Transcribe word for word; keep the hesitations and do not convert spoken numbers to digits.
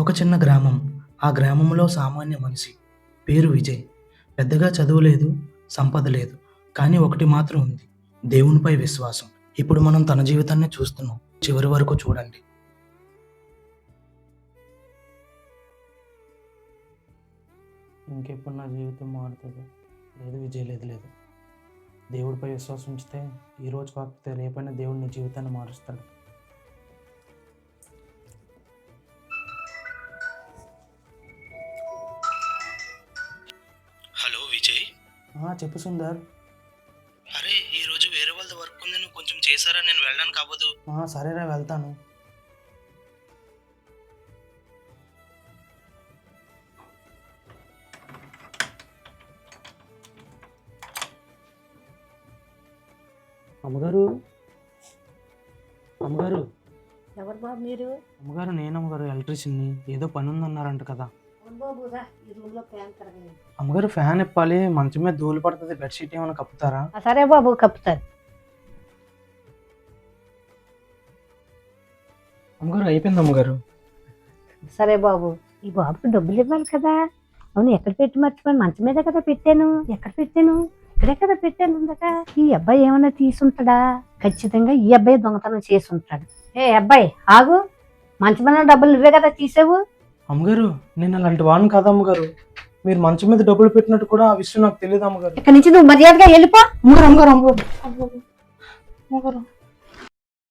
ఒక చిన్న గ్రామం. ఆ గ్రామంలో సామాన్య మనిషి. పేరు విజయ్. పెద్దగా చదువు లేదు, సంపద లేదు. కానీ ఒకటి మాత్రం ఉంది. దేవునిపై విశ్వాసం. ఇప్పుడు మనం తన జీవితాన్ని చూస్తున్నాం. చివరి వరకు చూడండి. ఇంకెప్పుడు నా జీవితం మారుతుందో లేదు విజయ్, లేదు లేదు. దేవుడిపై విశ్వాసం ఉంచితే ఈరోజు కాకపోతే రేపైనా దేవుడు నీ జీవితాన్ని మారుస్తాడు. హలో విజయ్. చెప్పు సుందర్. అరే ఈరోజు వేరే వాళ్ళది వర్క్ ఉంది, నువ్వు కొంచెం చేశారా? నేను వెళ్ళడానికి అవ్వదు. సరేరా, వెళ్తాను. అమ్మగారు, అమ్మగారు. ఎవరు బాబు మీరు? అమ్మగారు నేను అమ్మగారు ఎలక్ట్రీషియన్ని. ఏదో పని ఉందన్నారంట కదా. అమ్మగారు ఫ్యాన్ ఇప్పాలి, మంచం మీద ధూళి పడుతుంది, బెడ్షీట్ ఏమైనా కప్పుతారా? సరే బాబు, కప్పుతాను. అమ్మగారు అయిపోయింది అమ్మగారు. సరే బాబు, ఈ బాబుకి డబ్బులు ఇవ్వాలి కదా. అవును, ఎక్కడ పెట్టి మర్చిపోయాను? మంచం మీద కదా పెట్టాను. ఎక్కడ పెట్టాను? ఇక్కడే కదా పెట్టాను ఉందట. ఈ అబ్బాయి ఏమైనా తీసుంటాడా? ఖచ్చితంగా ఈ అబ్బాయి దొంగతనం చేసి ఉంటాడు. ఏ అబ్బాయి ఆగు, మంచం మీద డబ్బులు నువ్వే కదా తీసావు. అమ్మగారు నేను అలాంటి వాడిని కాదు అమ్మగారు. మీరు మంచం మీద డబ్బులు పెట్టినట్టు కూడా ఆ విషయం నాకు తెలియదు అమ్మగారు. ఇక్కడ నుంచి నువ్వు మర్యాదగా వెళ్ళిపో. అమ్మగారు అమ్మగారు అమ్మగారు అమ్మగారు